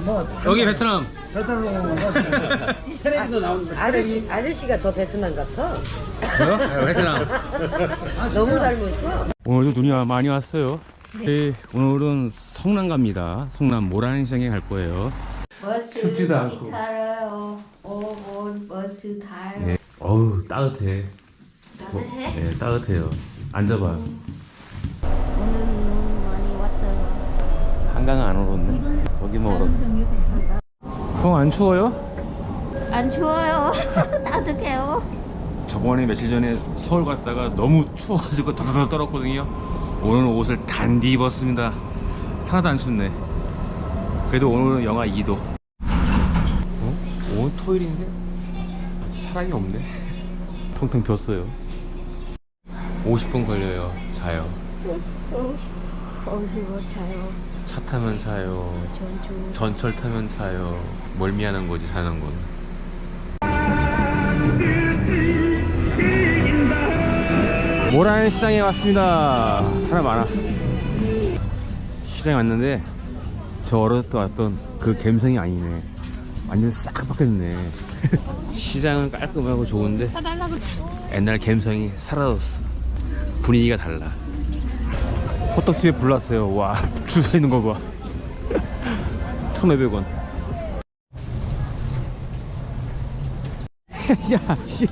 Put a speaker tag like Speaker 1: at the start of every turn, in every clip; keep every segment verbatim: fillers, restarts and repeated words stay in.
Speaker 1: 뭐
Speaker 2: 여기 베트남.
Speaker 1: 베트남 텔레비도 나오는데
Speaker 3: 아저씨, 아저씨가 더 베트남 같아.
Speaker 2: 뭐요? 네, 베트남.
Speaker 3: 너무 닮았어.
Speaker 2: 오늘도 눈이 많이 왔어요. 네, 오늘은 성남 갑니다. 성남 모란시장에 갈 거예요.
Speaker 4: 버스
Speaker 2: 춥지도 않고.
Speaker 4: 타러 오곤 버스 타요.
Speaker 2: 네. 어우 따뜻해.
Speaker 4: 따뜻해?
Speaker 2: 네, 따뜻해요. 앉아봐.
Speaker 4: 오늘 눈 많이 왔어요.
Speaker 2: 한강은 안 얼었네. 여기만 얼었어. 형 안 추워요?
Speaker 4: 안 추워요. 따뜻해요.
Speaker 2: 저번에 며칠 전에 서울 갔다가 너무 추워가지고 더더더 떨었거든요. 오늘은 옷을 단디 입었습니다. 하나도 안 춥네. 그래도 오늘은 영하 이 도. 어? 오늘 토요일인데 사람이 없네. 통통 ቢ었어요. 오십 분 걸려요. 자요.
Speaker 4: 거기서 자요.
Speaker 2: 차 타면 자요.
Speaker 4: 전주.
Speaker 2: 전철 타면 자요. 멀미하는 거지 자는 건. 모란시장에 왔습니다. 사람 많아. 시장에 왔는데 저 어렸을 때 왔던 그 감성이 아니네. 완전 싹 바뀌었네. 시장은 깔끔하고 좋은데 옛날 감성이 사라졌어. 분위기가 달라. 호떡집에 불났어요. 와, 줄 서 있는 거 봐. 천오백 원. 야, 씨.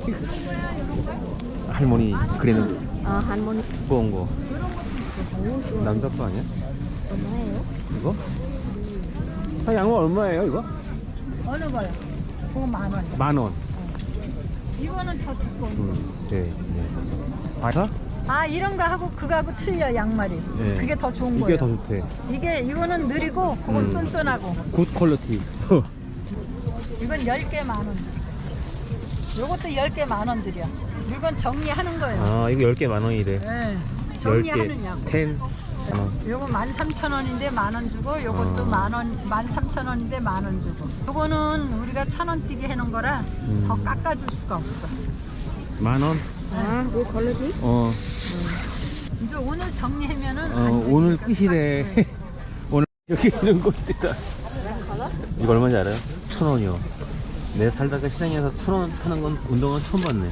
Speaker 2: 할머니 그래는
Speaker 4: 아 할머니
Speaker 2: 두꺼운 거. 남자 거 아니야?
Speaker 4: 얼마예요?
Speaker 2: 이거? 아, 양은 얼마예요 이거?
Speaker 5: 어느 거요? 그거 만 원.
Speaker 2: 만 원.
Speaker 5: 이거는 더 두꺼워.
Speaker 2: 둘, 셋, 넷, 다섯. 바사?
Speaker 5: 아 이런 거 하고 그거하고 틀려 양말이.
Speaker 2: 네.
Speaker 5: 그게 더 좋은
Speaker 2: 이게
Speaker 5: 거예요.
Speaker 2: 더 좋대.
Speaker 5: 이게 이거는 느리고 그건
Speaker 2: 음.
Speaker 5: 쫀쫀하고.
Speaker 2: 굿 퀄리티.
Speaker 5: 이건 열 개 만 원. 요것도 열 개 만 원 들여. 물건 정리하는 거예요.
Speaker 2: 아, 이거 열 개 만 원이래.
Speaker 5: 네.
Speaker 2: 열 개.
Speaker 5: 정리하느냐고.
Speaker 2: 텐. 어.
Speaker 5: 요거 만 삼천 원인데 만 원 주고 요것도
Speaker 2: 어.
Speaker 5: 만 원, 만 삼천 원인데 만 원 주고. 요거는 우리가 천 원 뛰게 해놓은 거라
Speaker 2: 음.
Speaker 5: 더 깎아줄 수가 없어.
Speaker 2: 만 원?
Speaker 4: 아, 뭐 걸러지?
Speaker 2: 어.
Speaker 5: 이제 오늘 정리하면은
Speaker 2: 어,
Speaker 5: 안
Speaker 2: 오늘
Speaker 5: 되니까
Speaker 2: 끝이래.
Speaker 5: 깎아줘요.
Speaker 2: 오늘 여기 이런 거 있다. 이거 얼마인지 알아요? 천 원이요. 내 살다가 시장에서 천 원 타는 건 운동은 처음 봤네.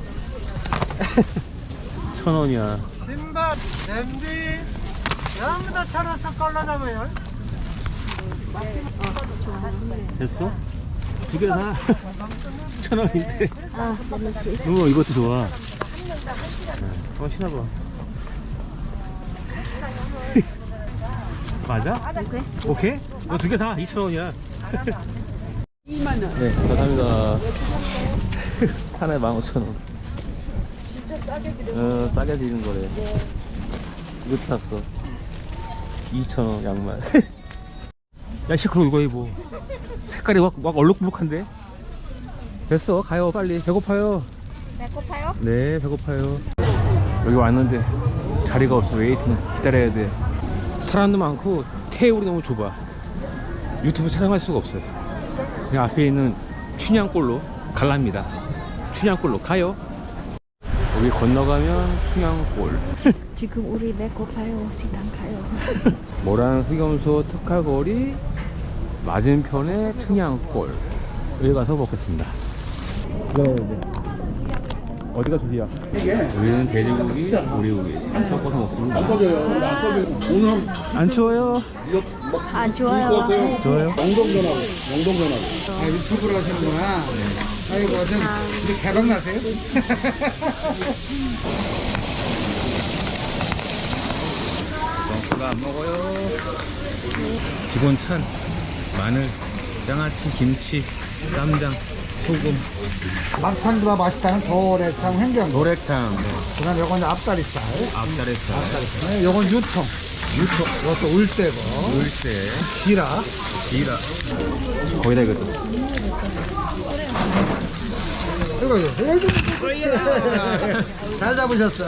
Speaker 2: 천 원이야.
Speaker 1: 신발 냄비 전부 다 차려서 걸러나봐요.
Speaker 2: 됐어? 두 개 다. 천 원인데.
Speaker 4: 아, 너무 씨.
Speaker 2: 어, 이것도 좋아. 한번 신어봐. 맞아?
Speaker 4: 오케이.
Speaker 2: 오케이? 이거 두 개 다 이천 원이야. 이만 원. 네, 감사합니다. 하나에 만 오천 원. 진짜 싸게 드리는 어, 싸게 드리는 거래. 네. 이거 샀어. 이천 원 양말. 야, 시끄러워, 이거 입어. 색깔이 막, 막 얼룩무룩한데? 됐어, 가요, 빨리. 배고파요.
Speaker 4: 배고파요?
Speaker 2: 네, 배고파요. 여기 왔는데 자리가 없어. 웨이팅 기다려야 돼. 사람도 많고 테이블이 너무 좁아. 유튜브 촬영할 수가 없어요. 그냥 앞에 있는 춘향골로 갈랍니다. 춘향골로 가요. 여기 건너가면 춘향골.
Speaker 4: 지금 우리 배고파요. 식당 가요.
Speaker 2: 모란 흑염소 특화거리 맞은편에 춘향골. 여기 가서 먹겠습니다. 네, 네. 어디가 저기야? 여기는 돼지고기, 오리고기 안 섞어서 먹습니다. 안 꺼져요. 안 꺼져요. 오늘 안 추워요?
Speaker 4: 안 좋아요.
Speaker 2: 좋아요?
Speaker 1: 영동전하고 영동전하고. 아, 유튜브를 하시는구나. 아이고 전 이제 개방 나세요?
Speaker 2: 멍크가 안 먹어요. 기본 찬 마늘, 장아찌, 김치, 쌈장, 소금,
Speaker 1: 막창보다 맛있다는 도래창 횡경.
Speaker 2: 노래탕,
Speaker 1: 그다음 요건 이제 앞다리살.
Speaker 2: 앞다리살,
Speaker 1: 네, 요건 유통. 유통. 이것도 울대고.
Speaker 2: 물새,
Speaker 1: 지라.
Speaker 2: 기라. 거기다 이것도.
Speaker 1: 이거 이거. 잘 잡으셨어.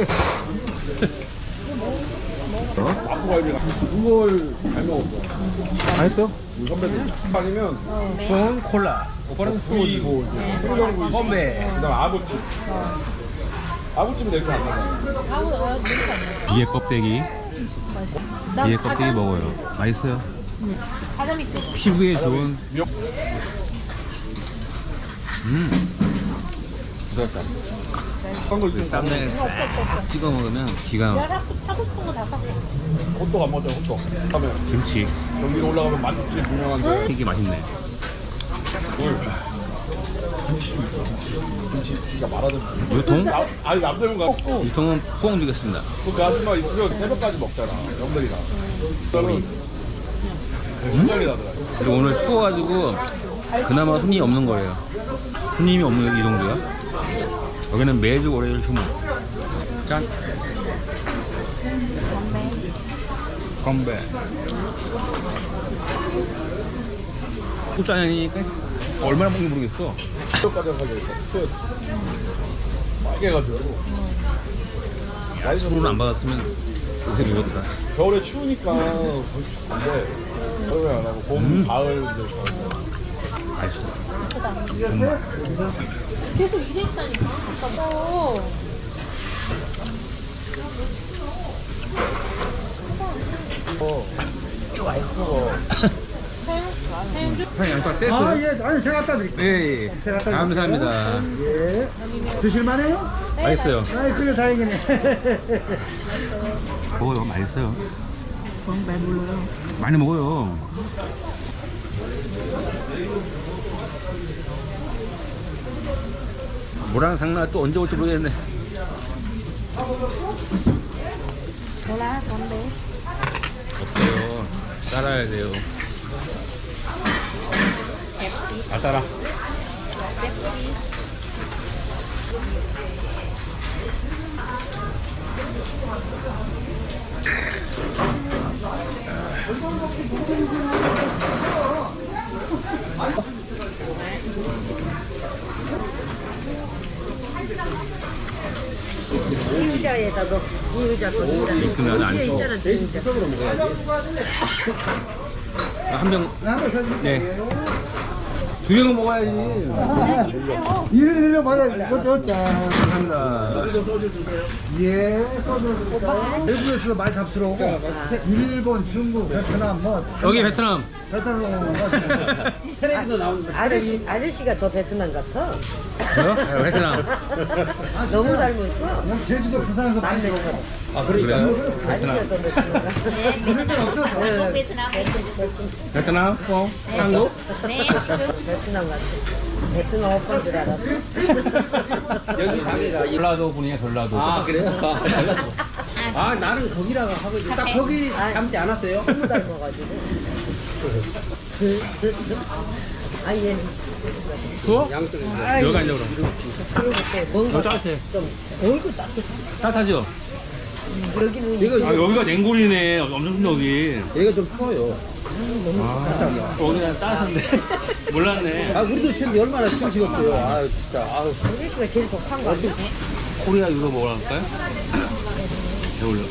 Speaker 6: 그걸 잘 먹었어.
Speaker 2: 맛있어?
Speaker 6: 우리 선배들. 아니면
Speaker 2: 콘 콜라. 오빠는 소주.
Speaker 6: 통정구이.
Speaker 2: 건배.
Speaker 6: 그다음 아부찜. 아부찜은 이렇게 안 나가.
Speaker 2: 비계 껍데기. 비계 껍데기 먹어요. 맛있어요. 피부에 좋은. 음. 부드럽다. 그 쌈장에 싹 찍어 먹으면 기가 막.
Speaker 6: 호떡 안 먹죠, 호떡. 하면
Speaker 2: 김치.
Speaker 6: 경기도 올라가면 맛집이 유명한데.
Speaker 2: 이게 맛있네.
Speaker 6: 김치가 말하던.
Speaker 2: 유통?
Speaker 6: 아, 아니, 남들과
Speaker 2: 유통은 포항 주겠습니다.
Speaker 6: 그 아줌마 있으면 새벽까지 먹잖아, 영들이랑. 저는 굉장히 나더라.
Speaker 2: 그리고 오늘 추워가지고 그나마 손님이 없는 거예요. 손님이 없는 이 정도야. 여기는 매주 월요일 휴무. 짠. 건배. 소주 한잔이니까 얼마나 먹는지 모르겠어.
Speaker 6: 새벽까지 가게 됐어. 빨개가지고.
Speaker 2: 술을 안 받았으면 요새 이거더라.
Speaker 6: 겨울에 추우니까 거의 춥는데 겨울에 안 하고 봄,
Speaker 2: 음.
Speaker 6: 가을 이제
Speaker 2: 맛있어.
Speaker 5: 계속 이랬다니까. 아까워.
Speaker 2: 사장님 양파 세트.
Speaker 1: 아, 예. 아니, 제가 갖다 드릴게요.
Speaker 2: 예, 예.
Speaker 1: 제가 갖다
Speaker 2: 감사합니다.
Speaker 1: 예. 드실만해요?
Speaker 2: 맛있어요.
Speaker 1: 아이, 그래, 다행이네.
Speaker 2: 먹어요. 맛있어요. 많이 먹어요. 많이 먹어요. 모랑 상나 또 언제 올지 모르겠네.
Speaker 4: 몰라, 건배.
Speaker 2: 없어요. 따라야 돼요. 아 따라.
Speaker 3: 이 의자에다 너, 이 의자 거기다.
Speaker 2: 이쁘면 안
Speaker 3: 뒤에
Speaker 2: 추워.
Speaker 3: 있잖아, 이 의자.
Speaker 2: 한 병,
Speaker 1: 한번 사줄게요.
Speaker 2: 네. 두 병은 먹어야지.
Speaker 1: 이리, 이리 받아. 이거 저, 짠.
Speaker 2: 감사합니다.
Speaker 1: 예, 소주. 외국에서 많이 잡수러오고. 일본, 중국, 베트남, 뭐.
Speaker 2: 여기 베트남.
Speaker 1: 베트남. 텔레비도 나오는데.
Speaker 3: 아저씨, 아저씨가 더 베트남 같아.
Speaker 2: 저요? 네, 베트남.
Speaker 3: 너무 닮았어.
Speaker 1: 그냥 제주도 부산에서 많이 들어오고.
Speaker 2: 아, 그러니까요?
Speaker 3: 아저씨가
Speaker 2: 베트남.
Speaker 3: 더 베트남 같아.
Speaker 1: 그럴 건 없어서.
Speaker 2: 베트남? 어? 한국?
Speaker 3: 베트남 같아. 베트남 오빠인 줄 알았어.
Speaker 7: 여기 가게가 이-
Speaker 2: 전라도 분이에요, 전라도.
Speaker 7: 아 그래요? 아 나는 거기라고 하고 있지. 딱 거기 닮지 않았어요?
Speaker 3: 너무 닮아가지고. 아, 얘는.
Speaker 2: 추워?
Speaker 7: 양쪽에
Speaker 2: 여기 앉아, 그럼.
Speaker 3: 그리고 또 뭔가
Speaker 2: 너 따뜻해.
Speaker 3: 좀 얼굴 따뜻해.
Speaker 2: 따뜻하죠?
Speaker 3: 여기는
Speaker 7: 이거
Speaker 2: 아, 여기가 냉골이네. 엄청 춥네, 여기.
Speaker 7: 얘가 좀 추워요.
Speaker 2: 여기는 따뜻한데. 몰랐네.
Speaker 7: 아 우리도 지금 얼마나 추우시겠어요. 아 진짜. 아
Speaker 3: 아저씨가 제일 독한 거 아니야?
Speaker 2: 코리아 이거 먹으러 갈까요? 배울려.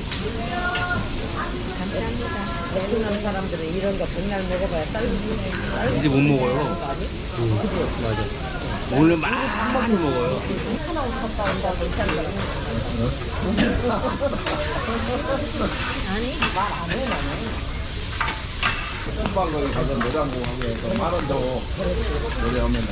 Speaker 3: 베트남 사람들은 이런 거 백날 먹어봐야 딸기.
Speaker 2: 이제 못 먹어요. 맞아. 오늘 많이 먹어요.
Speaker 6: 방 거기 가서 노장고 하면 만원 더 노래하면은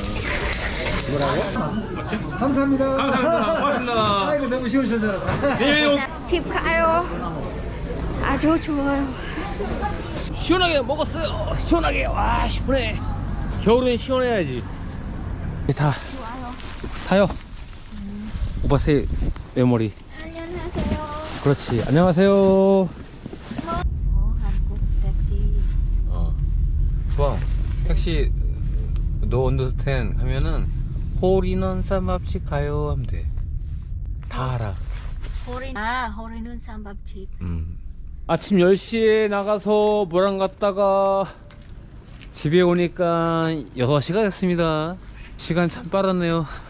Speaker 1: 감사합니다.
Speaker 2: 감사합니다. 고맙습니다.
Speaker 1: 아이고, 너무 시원시원하다.
Speaker 2: 예,
Speaker 4: 집 가요. 아주 좋아요.
Speaker 2: 시원하게 먹었어요. 시원하게. 와, 시원해. 겨울엔 시원해야지. 다 타요. 오빠 새 메모리.
Speaker 4: 안녕하세요.
Speaker 2: 그렇지. 안녕하세요.
Speaker 4: 어, 한국 택시.
Speaker 2: 어. 좋아. 택시 노 언더스탠 하면은 호리넌 쌈밥집 가요 하면 돼. 다 알아.
Speaker 4: 호리. 아, 호리는 쌈밥집.
Speaker 2: 음. 아침 열 시에 나가서 모랑 갔다가 집에 오니까 여섯 시가 됐습니다. 시간 참 빠르네요.